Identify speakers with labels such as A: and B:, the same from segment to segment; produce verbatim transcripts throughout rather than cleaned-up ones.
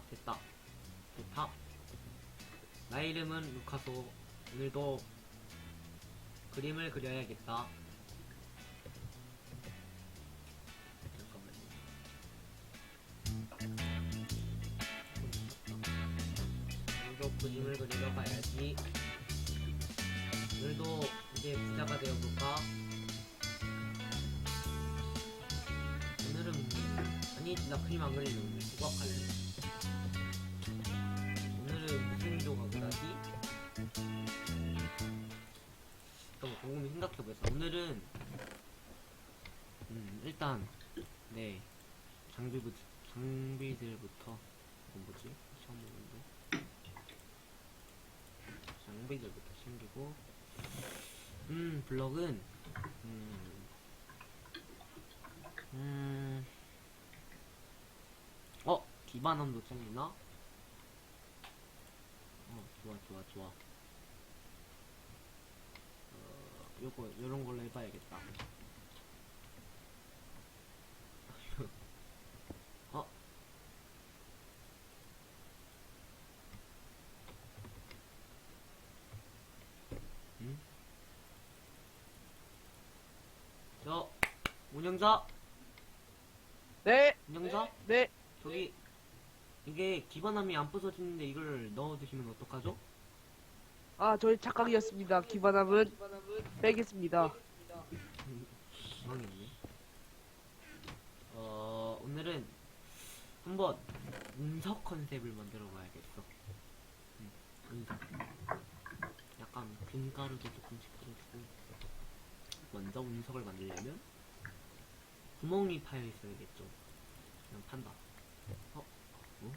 A: 됐다. 됐다. 나의 이름은 루카소. 오늘도 그림을 그려야겠다. 잠깐만요. 오늘도 그림을 그리러 가야지. 오늘도 이제 부자가 되어볼까? 오늘은 아니 나 그림 안 그리는 오늘 수학할래. 오늘은 무슨 조각을 하지? 잠깐만 곰곰이 생각해보자. 오늘은 음 일단 네 장비부 장비들부터 이건 뭐지? 처음 보는데 장비들부터 챙기고 음 블럭은 음 음, 어! 기반함도 잘리나? 어, 좋아, 좋아, 좋아. 어, 요거, 요런 걸로 해봐야겠다. 어? 응? 저, 운영자!
B: 네,
A: 운영자?
B: 네.
A: 저기, 이게 기반함이 안 부서지는데 이걸 넣어두시면 어떡하죠?
B: 아, 저희 착각이었습니다. 기반함은 빼겠습니다.
A: 망했네. 어, 오늘은 한번 운석 컨셉을 만들어 봐야겠어. 음, 운석. 약간 균가루도 조금씩 뿌려주고. 먼저 운석을 만들려면 구멍이 파여 있어야겠죠. 그냥 판다. 어? 뭐?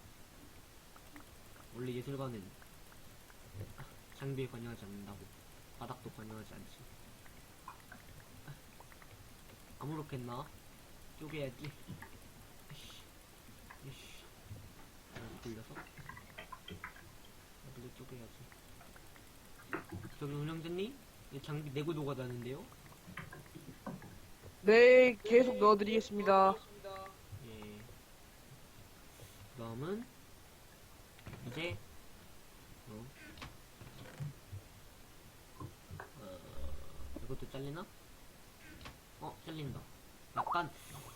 A: 원래 예술가는 장비에 관여하지 않는다고. 바닥도 관여하지 않지. 아무렇겠나? 쪼개야지. 이씨. 이씨. 돌려서. 여기도 쪼개야지. 저기 운영자님? 이 장비 내고 녹아다는데요?
B: 네, 계속 넣어드리겠습니다.
A: 예. 그 다음은 이제 어. 어 이것도 잘리나? 어 잘린다. 약간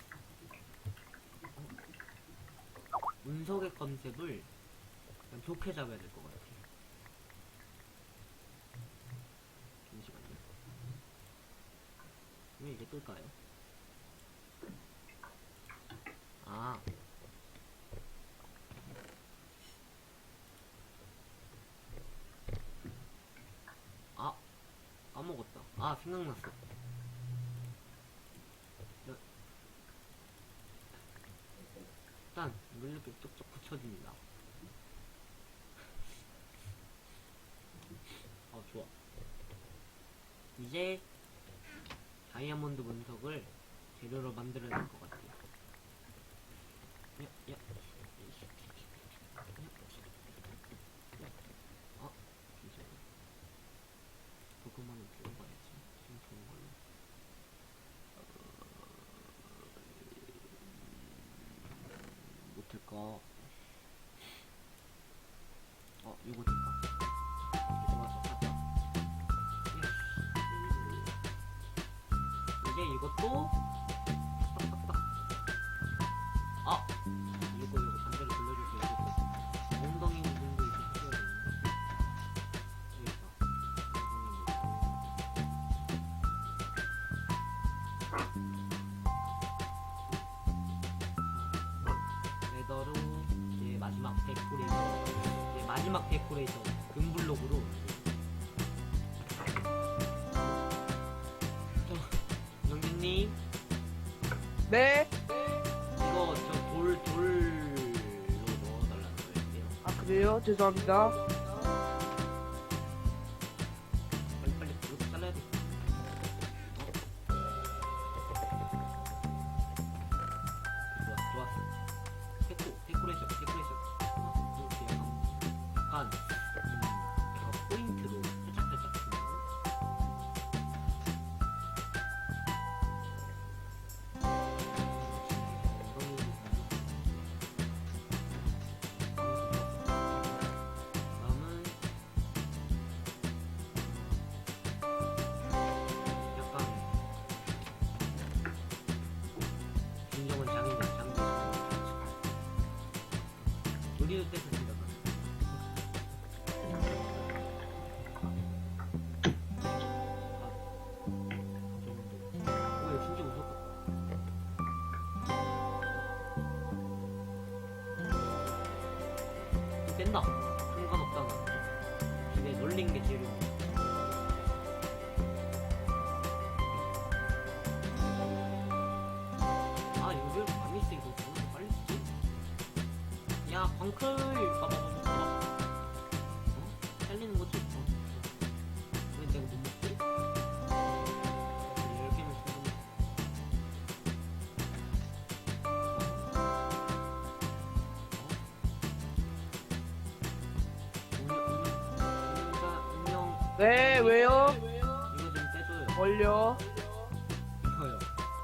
A: 어, 운석의 컨셉을 약간 좋게 잡아야 될 것 같아. 잠시만요. 왜 이게 뜰까요? 아 아, 까먹었다. 아, 생각났어. 여- 일단, 이걸 이렇게 쪽쪽 붙여줍니다. 어, 좋아. 이제, 다이아몬드 문석을 재료로 만들어낼 것 같아요. 야, 야. 아, 잠시만요. 조그마한 들어가야지. 좀 좋은 걸로. 못할까? 어, 이거 될까? 좋아서 가자. 이제 이것도 딱딱딱. 아, 이거 이거 반대로 돌려줘서 이거 엉덩이 부분도 이렇게 해줘야 되는데. 되겠다. 레더로 이제 마지막 데코레이션, 이제 마지막 데코레이션 금블록으로. 저 영진님
B: 네.
A: 이거 저 돌 돌로 넣어달라는 거예요.
B: 아, 그래요? 죄송합니다.
A: 빨리 빨리 이것도 잘라야 돼. 좋아 좋았어. 데코 데코레이션 데코레이션. 어, 이렇게 약간 약간 음, 약간 포인트로 살짝살짝 주는 거. 엉덩이 부분도 우리도 뗐습니다. 오, 야, 진짜 무섭다. 또 뗀다. 상관없다. 집에 놀린 게 제일. 아, 이거 왜 많이 쓰이고 저는 빨리 쓰지? 야, 광클! 봐봐봐봐. 어? 살리는 거지? 어? 왜 내가 못 먹지? 이렇게 하면 충분히. 어?
B: 네, 왜요?
A: 이거 좀 떼줘요.
B: 뭘요?
A: 이거요.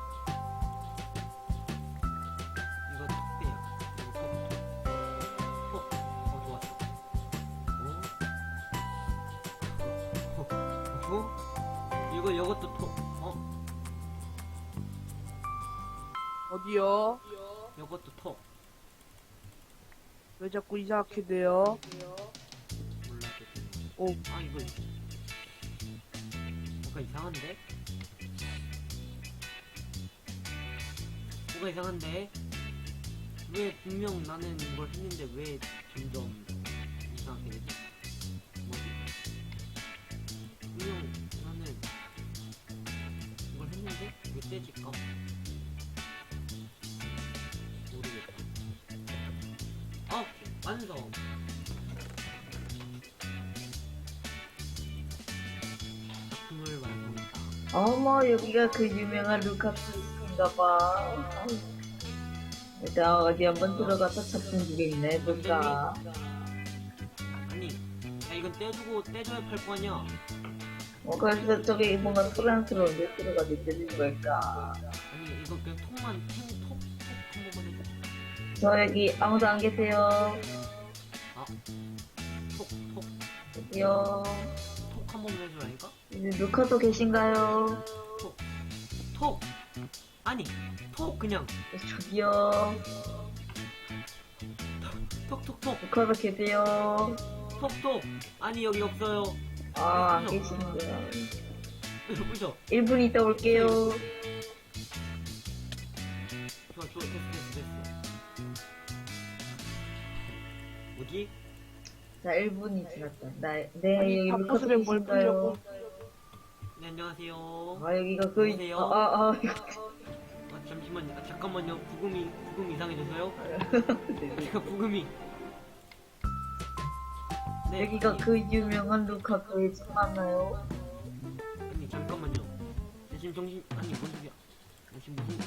A: 이거 턱 빼요. 이거 턱, 턱. 턱. 어, 좋았어. 어? 어? 어? 이거, 이것도 턱. 어?
B: 어디요?
A: 이것도 턱.
B: 왜 자꾸 이상하게 돼요?
A: 몰라도.
B: 오,
A: 아, 이거. 뭔가 이상한데? 뭐가 이상한데? 왜 분명 나는 이걸 했는데 왜 점점 이상하게 되지? 뭐지? 분명 나는 이걸 했는데 왜 떼질까? 모르겠다. 아! 완성! 작품을 완성했다.
C: 어머, 여기가 그 유명한 루카스인가봐. 일단 어디 한번 들어가서 작품 구경이나 해볼까.
A: 아니, 야, 이건 떼주고 떼줘야 팔 거 아니야?
C: 어, 그래서 저기 뭔가 소란스러운데 들어가서 들린 걸까.
A: 아니, 이거 그냥 톡만, 톡, 톡, 톡 한 번만 해줘.
C: 저 여기 아무도 안 계세요.
A: 아, 톡, 톡,
C: 여기요.
A: 톡 한 번만 해주라니까?
C: 이제 루카도 계신가요?
A: 톡, 톡! 아니, 톡 그냥,
C: 저기요.
A: 톡, 톡, 톡,
C: 루카도 계세요.
A: 톡, 톡! 아니, 여기 없어요.
C: 아, 안 계시는구나.
A: 그죠?
C: 일 분 있다 올게요.
A: 좋아, 좋아, 됐어, 됐어, 됐어. 어디?
C: 자, 일 분이 지났다. 나, 네,
B: 아니,
C: 여기 루카도
B: 바쁘시면 뭘
C: 계신가요?
B: 보려고.
A: 네, 안녕하세요.
C: 아, 여기가 그,
A: 안녕하세요.
C: 아, 아, 아,
A: 아, 잠시만요. 아, 잠깐만요. 부금이, 부금 이상해져서요?
C: 이거.
A: 제가 부금이. 네,
C: 여기가
A: 아니,
C: 그 유명한 루카쿠의 집 맞나요?
A: 아니, 잠깐만요. 나 지금 정신, 아니, 뭔 소리야. 나 지금 무슨.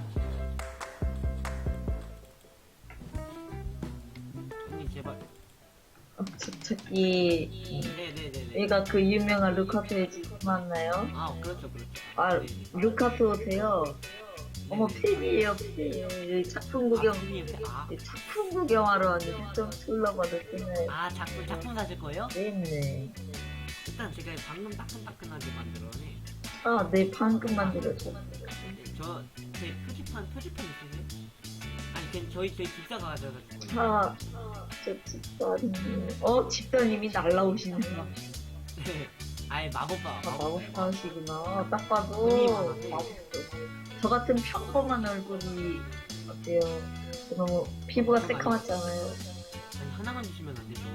A: 아니, 제발.
C: 어, 저, 저기
A: 네네네네.
C: 여기가 그 유명한 루카쿠의 집 맞나요?
A: 아, 그렇죠, 그렇죠.
C: 아,
A: 네.
C: 루카쿠 오세요? 어머, 팬이에요, 팬. 여기 작품 구경,
A: 아, 형님, 아,
C: 작품 구경하러 왔는데 좀 둘러봐줬잖아요.
A: 아, 작품, 작품 사실 거예요?
C: 네네.
A: 일단 제가 방금 따끈따끈하게 만들어내.
C: 아, 네, 방금 만들었죠.
A: 저, 제 표지판, 표지판 있으세요? 아니, 그냥 저희, 저희 집사가 가져다 줄 거예요.
C: 아, 저 집사님. 어, 집사님이 날라오시네요.
A: 네. 아예 마법사.
C: 아,
A: 마법사.
C: 마법사시구나. 딱 봐도
A: 눈이 많아서.
C: 마법사. 저 같은 평범한 얼굴이 어때요? 저 너무 피부가 새카맣잖아요.
A: 아니, 하나만 주시면 안 되죠.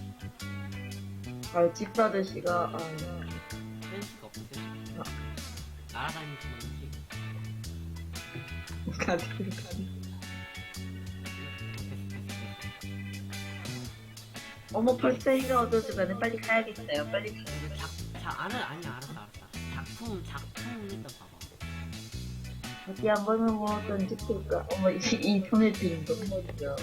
C: 아, 집사드씨가, 아,
A: 센스가 없으세요?
C: 아.
A: 날아다니시는 거지.
C: 가지고 가지. 어머, 벌써 해가 어두워지면 빨리 가야겠어요. 빨리 가.
A: 작, 자, 알아, 아니, 알았어, 알았어. 작품, 작품 일단 봐봐.
C: 어디 한 번은 뭐 던질까? 어머, 이, 이 손에 드는 건 뭐죠?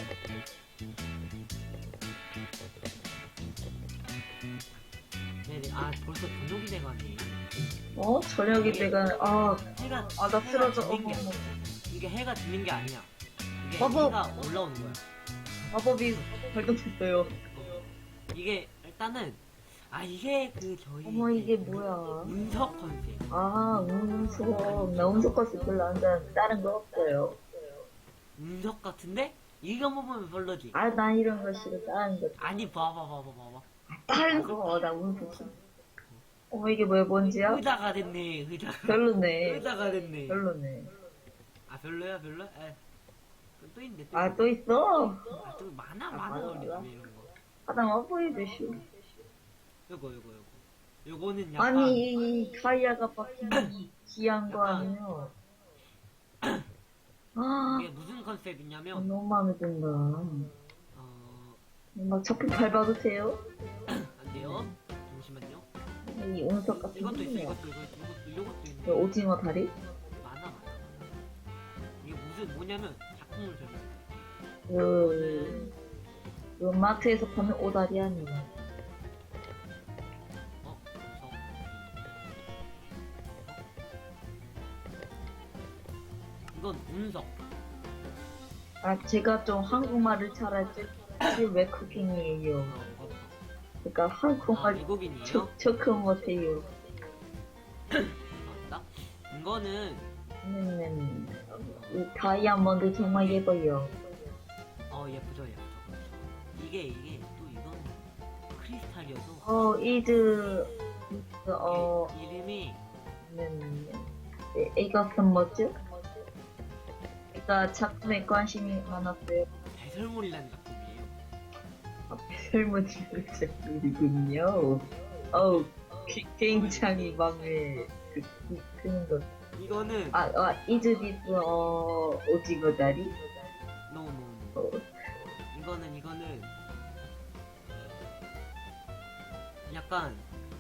A: 네네, 아, 벌써 저녁이 돼가네.
C: 어? 저녁이 내가, 아,
A: 해가,
C: 아, 나
A: 해가
C: 쓰러져.
A: 지는 게
C: 어머, 어머.
A: 이게 해가 지는 게 아니야. 이게
C: 마법.
A: 해가 올라오는 거야.
C: 마법이 발동됐어요.
A: 이게, 일단은, 아, 이게 그, 저희.
C: 어머, 이게 뭐야?
A: 운석 컨셉.
C: 아, 운석. 나 운석 가서 별로 안 좋아하는데 다른 거 없어요.
A: 운석 같은데? 이거 보면 별로지.
C: 아, 난 이런 거 싫어. 다른 거.
A: 아니 봐봐 봐봐 봐봐.
C: 다른 거. 나 운동. 어머, 이게 뭐야, 뭔지야?
A: 의자가 됐네 의자.
C: 별로네.
A: 의자가 됐네.
C: 별로네.
A: 아 별로야 별로? 에. 또 있는데 또.
C: 아,
A: 있는데.
C: 또 있어?
A: 아, 또 많아
C: 아,
A: 많아
C: 맞아,
A: 우리
C: 맞아.
A: 집에 이런 거.
C: 아, 나 와보이드 쇼.
A: 요거 요거 요거. 요거는 약간
C: 아니, 이 타이어가 박힌 이 귀한 거
A: 약간-
C: 아니에요? 아,
A: 이게 무슨 컨셉이냐면
C: 너무 마음에 든다.
A: 어
C: 막 적극 밟아도 돼요?
A: 안 돼요. 잠시만요.
C: 이 운석 같은
A: 이것도 있어
C: 거.
A: 이것도 이것도 이것도 이것도 있네.
C: 그 오징어 다리?
A: 많아 많아. 많아. 이게 무슨 뭐냐면 작품을 설명.
C: 그, 그 마트에서 파는 오다리 아니에요?
A: 어 무서워. 이건 운석.
C: 아, 제가 좀 한국말을 잘할지 외국인이에요.
A: 어, 이거.
C: 그러니까
A: 아,
C: 한국말
A: 외국인이에요?
C: 저, 저크 못해요.
A: 맞다. 이거는
C: 음, 이 다이아몬드 정말 예뻐요.
A: 어 예쁘죠 예쁘죠. 그렇죠. 이게 이게 또 이건 크리스탈이어서
C: 어, 이즈, 어,
A: 이- 이름이
C: 음, 네, 이것은 뭐죠? 제가 작품에 관심이 많았어요.
A: 배설물이라는 작품이에요.
C: 아, 설문지 작품이군요. 어우, 기- 굉장히 마음에 그, 그, 그는 것.
A: 이거는
C: 아, 아, 이즈 디스, 어, 오징어 다리?
A: 노노
C: 어,
A: 이거는 이거는 약간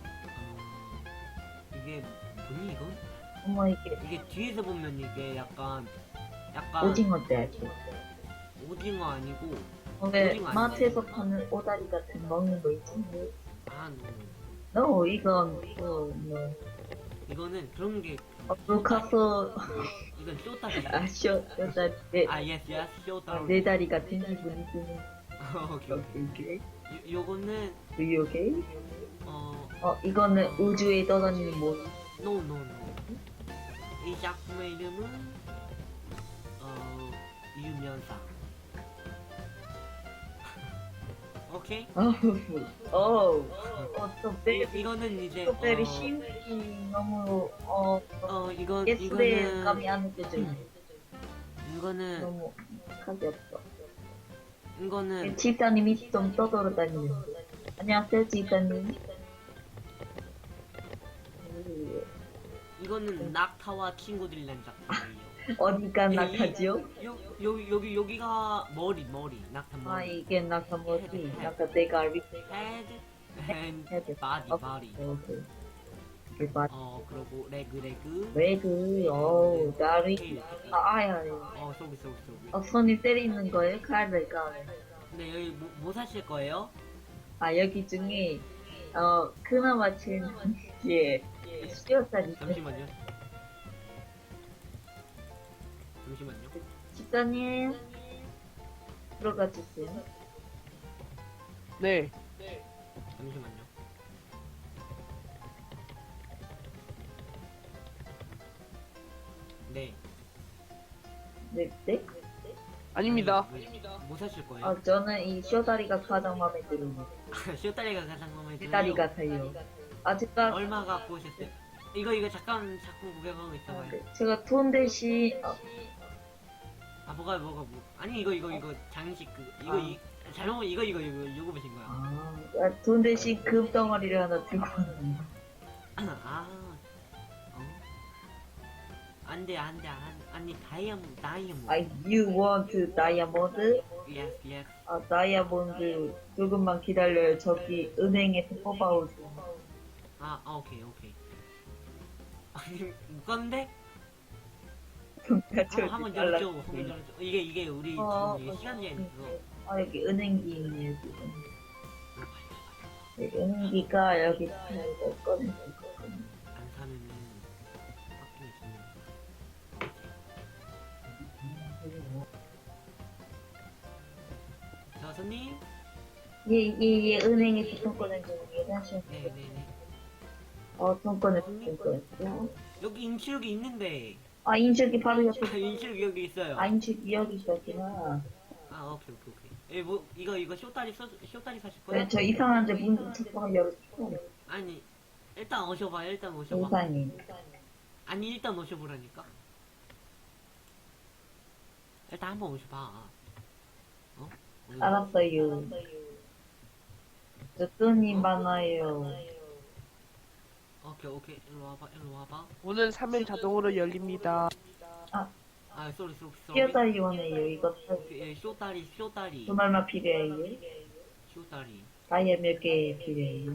A: 어, 이게 뭐니 이건?
C: 어머, 이게
A: 이게 뒤에서 보면 이게 약간 약간
C: 오징어 다리.
A: 오징어 아니고
C: 어, 왜
A: 오징어 아니네.
C: 마트에서 파는 오다리 같은 먹는 거 있지?
A: 아 노.
C: No, 이건, 어, 뭐,
A: 이거는 그런 게
C: 어, 루카스,
A: 이건 쇼타리.
C: 아, 쇼, 쇼다리, 네,
A: 아 예스 예스
C: 아,
A: 쇼타리.
C: 네 다리 같은 기분이 드는.
A: 오케이 오케이.
C: 오케이.
A: 요, 요거는
C: Do you okay?
A: 어
C: 어, 이거는 우주에 떠다니는 뭐,
A: 노노노. 이 작품의 이름은 어 유면상. 오케이.
C: 어우, 어우, 어, 또
A: 이,
C: 베리,
A: 이거는 이제
C: 또 베리
A: 어,
C: 심기 너무, 어,
A: 어 이건
C: 예술의 감이
A: 이거는
C: 안 느껴져요.
A: 이거는
C: 너무 가볍다.
A: 이거는
C: 집사님이 좀 떠돌아다니는. 안녕하세요, 집사님.
A: 이거는 낙타와 친구들이라는 작품이에요.
C: 어디가
A: 이-
C: 낙하지요?
A: 요 여기 여기 여기가 머리 머리 낙타
C: 아,
A: 머리.
C: 이게 낙하머리. 낙하 대가리.
A: Head and
C: 헤드.
A: body
C: 어,
A: body.
C: 오케이. 이게 봐.
A: 어 그리고 레그 레그.
C: 레그, 어우, 다리.
A: 테일.
C: 아, 아야,
A: 어 쏘기 쏘기 쏘기.
C: 어, 손이 때리는 거예요? 칼을 까요?
A: 근데 여기 뭐, 뭐 사실 거예요?
C: 아, 여기 중에, 어, 그나마 제일 예, 수요살이
A: 잠시만요. 잠시만요.
C: 집사님, 들어가 주세요.
B: 네.
A: 잠시만요. 네.
C: 네, 네?
B: 아닙니다.
A: 왜, 뭐 사실 거예요?
C: 어, 저는 이 쇼다리가 가장 마음에 들어요.
A: 쇼다리가 가장 마음에 들어요.
C: 쇼다리 같아요. 아, 제가,
A: 얼마 갖고 오셨어요? 이거 이거 잠깐 작품 구경하고 있어봐요.
C: 제가 돈 대신, 어,
A: 아 뭐가 뭐가 뭐? 아니 이거 이거 이거 장식 그 이거
C: 아.
A: 이 잘못 이거 이거 이거 이거 보신 거야.
C: 아, 아, 돈 대신 금 덩어리를 하나 들고 왔는데.
A: 아, 어? 안돼 안돼 안 아니 다이아몬드 다이아몬드.
C: 아, you want 다이아몬드?
A: Yes yes.
C: 아, 다이아몬드 조금만 기다려요. 저기 은행에서 뽑아오세요.
A: 아, 아 오케이 오케이. 아니 묶었는데? 한번 한번 열죠. 한번 열죠. 이게 이게 우리
C: 어,
A: 지금 이게 시간 제한 있어.
C: 아, 여기 은행기 있네요, 지금. 네, 은행기가 여기 이거 꺼내고 있거든요.
A: 안 사면은 빡빡이 주면. 자 손님.
C: 예, 예, 예, 은행에서 돈 꺼내고 예전시험.
A: 네네네.
C: 어, 돈 꺼냈어, 돈 꺼냈어.
A: 여기 인출기 있는데.
C: 아, 인식이 바로 옆에.
A: 인출기 여기 있어요.
C: 아, 인식이 여기 있었구나.
A: 아, 아 오케이 오케이 오케이. 에 뭐 이거 이거 쇼다리 써 쇼다리 사실 거야?
C: 네, 저 이상한데 문 자꾸 열어주세요.
A: 아니 일단 오셔봐 일단 오셔봐.
C: 이상해.
A: 아니 일단 오셔보라니까. 일단 한번 오셔봐. 어? 오셔봐.
C: 알았어요. 저 돈이 많아요.
A: 오케이 오케이 일로 와봐 일로 와봐.
B: 문은 사면 자동으로 열립니다.
A: 아 쏘리 쏘리 쏘리.
C: 뛰어다리 원해요. 이것도
A: 예, 쇼다리 쇼다리
C: 돈 얼마 필요해요?
A: 쇼다리.
C: 다이아 몇 개 필요해요?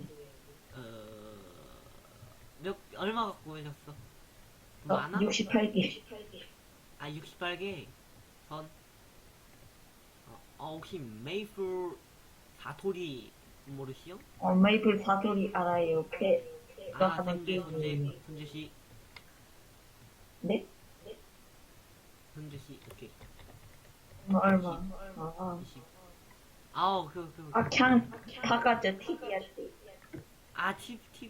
A: 어몇 얼마 갖고 오셨어?
C: 어,
A: 많아?
C: 육십팔 개.
A: 아 육십팔 개 선. 어, 어 혹시 메이플 사토리 모르시오?
C: 어, 메이플 사소리 알아요. 패, 너
A: 아
C: 하나
A: 현재 현재
C: 끼고.
A: 현재 씨
C: 네?
A: 현재 씨 오케이.
C: 뭐 얼마? 아,
A: 이십. 아우 그그
C: 아, 그냥 다 가져. 팁이었지.
A: 아팁팁팁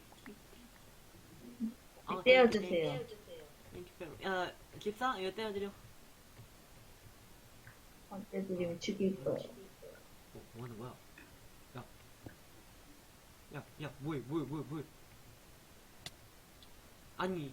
A: 아,
C: 떼어주세요.
A: 야 집사 이거 떼어드려.
C: 언제 드리면 죽일 거예요.
A: 뭐, 뭐 하는 거야? 야, 야, 야, 뭐해, 뭐해, 뭐해, 뭐해? 아니,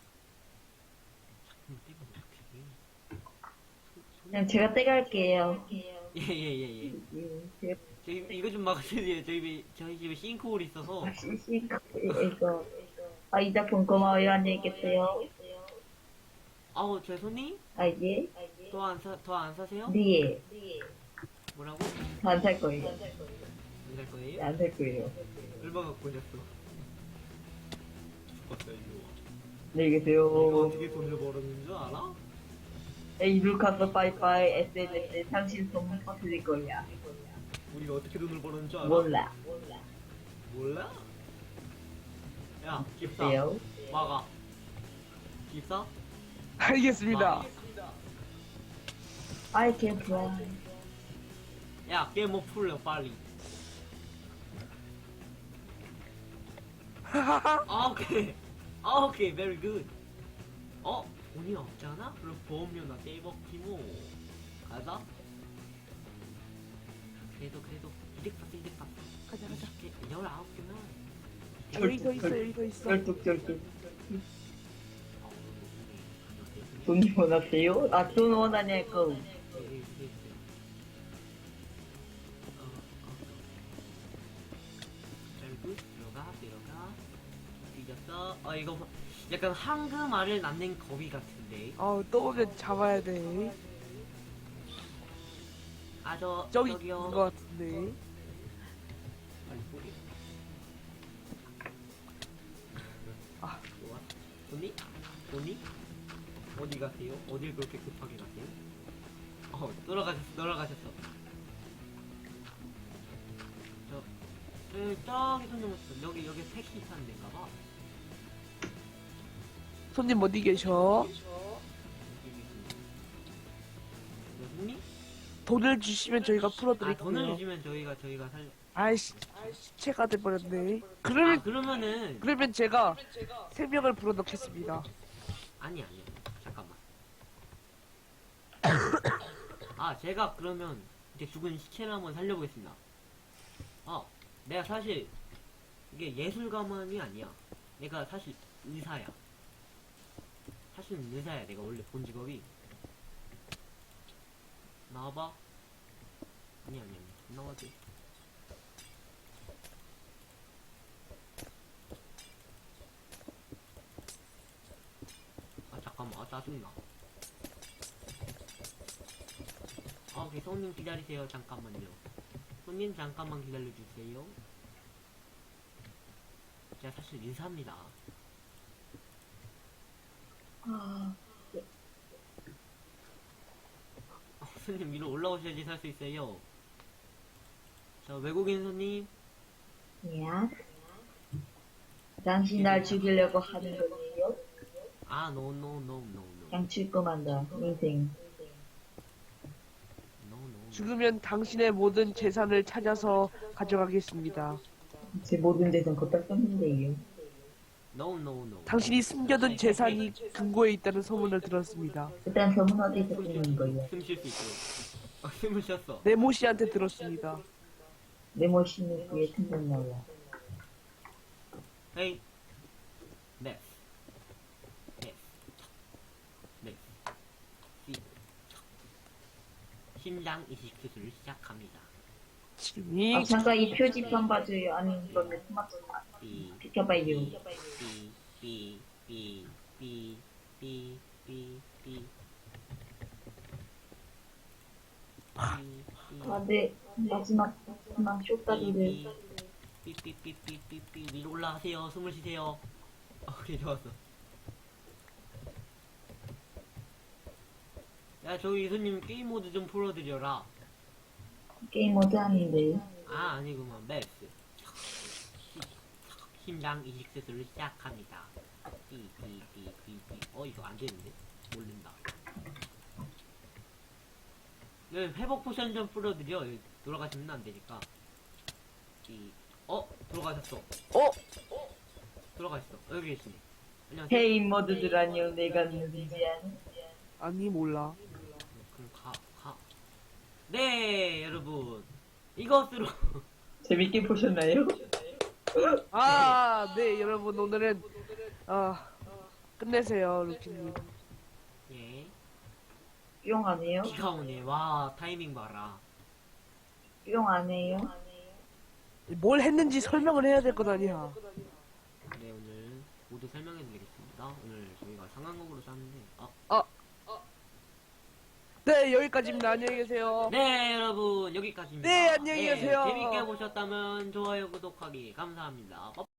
A: 잠깐만 떼면 어떡해?
C: 그냥 제가 떼갈게요.
A: 예, 예, 예, 예.
C: 예, 제가
A: 저희 이거 좀 막아주세요. 저희 집에 저희 집에 싱크홀 있어서.
C: 다시 이거. 아, 이 작품 고마워요. 안녕히 계세요.
A: 아우, 제 손님
C: 아, 예?
A: 더 안 사, 더 안 사세요?
C: 네.
A: 뭐라고?
C: 안 살 거예요.
A: 안 살 거예요?
C: 안 살 거예요.
A: 얼마 갖고 오셨어? 죽었다 이거.
C: 안녕히
A: 이거
C: 계세요.
A: 어떻게 돈을 벌었는 줄 알아?
C: 에이, 루카스 빠이빠이 에스엔에스에 당신 소문 퍼뜨릴 거야.
A: 우리가 어떻게 돈을 벌었는 줄 알아?
C: 몰라.
A: 몰라? 야, 집사.
C: 어때요?
A: 막아. 집사?
B: 알겠습니다.
C: I can fly.
A: 야, 게임 오브 풀려, 빨리. 아, 오케이. 아, 오케이, very good. 어? 돈이 없잖아? 그럼 보험료나 떼먹기 뭐. 가자. 그래도, 그래도, 이득 봤어, 이득 봤어.
B: 가자, 가자.
A: 열아홉 개면.
B: 여기 더 있어, 여기 더 있어.
C: 쩔뚝쩔뚝. 돈 원하세요? 아, 돈 원하냐고.
A: 결국 들어가 들어가 뒤졌어. 어 이거 뭐- 약간 황금알을 낳는 거위 같은데.
B: 어, 또 오면 잡아야 돼.
A: 아저
B: 저기
A: 저기요.
B: 있는 것 같은데.
A: 빨리 보게.
B: 아.
A: 좋아. 돈이? 돈이? 어디 가세요? 어딜 그렇게 급하게 가세요? 어 돌아가셨어 돌아가셨어. 저 에, 저기 손님 오셨어. 여기 여기 택시 타는 데인가봐.
B: 손님 어디 계셔?
A: 손님?
B: 돈을 주시면 저희가
A: 아
B: 풀어드릴게요.
A: 돈을 주시면 저희가 저희가 살.
B: 아이씨, 시체가 돼버렸네.
A: 아
B: 그러면,
A: 그러면은
B: 그러면 제가 세 명을 불러넣겠습니다.
A: 아니 아니 잠깐만. 아 제가 그러면 이제 죽은 시체를 한번 살려보겠습니다. 어 내가 사실 이게 예술가만이 아니야. 내가 사실 의사야. 사실은 의사야. 내가 원래 본 직업이. 나와봐. 아니 아니 아니 나와지. 아 잠깐만 아 짜증나. 아 오케이 손님 기다리세요. 잠깐만요. 손님 잠깐만 기다려주세요. 제가 사실 의사입니다.
C: 아,
A: 어, 손님 위로 올라오셔야지 살 수 있어요. 저 외국인 손님.
C: 야. 당신 날 죽이려고 하는 거예요?
A: 아 노 노 노 노 노.
C: 그냥 죽고만다. 인생.
A: 노 노.
B: 죽으면 당신의 모든 재산을 찾아서 가져가겠습니다.
C: 제 모든 재산 걷다 썼는데요.
A: 노 노 노.
B: 당신이 숨겨둔 재산이 금고에 있다는 소문을 들었습니다.
C: 일단 저문 어디서 쓰는 거예요?
A: 숨 쉴 수 있도록. 어, 숨을 쉬었어.
B: 네모 씨한테 들었습니다.
C: 네모시는 그의 생각나요.
A: 헤이. 네. 네. 네. 시. 심장 이식 수술을 시작합니다.
B: 지금이
C: 아, 잠깐 이 표지판 봐줘요. 아니, 그러면 토마토
A: 삐.
C: 비켜봐요.
A: 삐. 삐. 삐. 삐. 삐. 삐. 삐.
C: 아, 네. 마지막, 마지막 쇼다리를.
A: 삐삐삐삐삐삐 위로 올라가세요. 숨을 쉬세요. 오케이, 좋았어. 야, 저기 손님 게임 모드 좀 풀어드려라.
C: 게임 모드 하는데.
A: 아, 아니구만. 맵스. 심장 이식 수술을 시작합니다. 삐삐삐삐삐. 어, 이거 안 되는데? 모른다. 네, 회복 포션 좀 풀어드려. 여기 돌아가시면 안 되니까. 삐. 어? 돌아가셨어.
B: 어?
A: 돌아가셨어. 여기 계시네. 안녕하세요.
C: 헤이 모드들 안녕. 내가 누구지?
B: 아니 몰라.
A: 그럼 가, 가. 네, 여러분. 이것으로.
C: 재밌게 보셨나요?
B: 아, 네 여러분 오늘은 아 끝내세요 루키님.
A: 예.
C: 뿅 안 해요?
A: 비가 오네. 와, 타이밍 봐라.
C: 뿅 안 해요?
B: 뭘 했는지 설명을 해야 될 것 아니야.
A: 네, 오늘 모두 설명해드리겠습니다. 오늘 저희가 상황극으로 짰는데, 아,
B: 아, 네 여기까지입니다. 안녕히 계세요.
A: 네, 여러분, 여기까지입니다.
B: 네, 안녕히 계세요.
A: 재밌게 보셨다면 좋아요, 구독하기 감사합니다.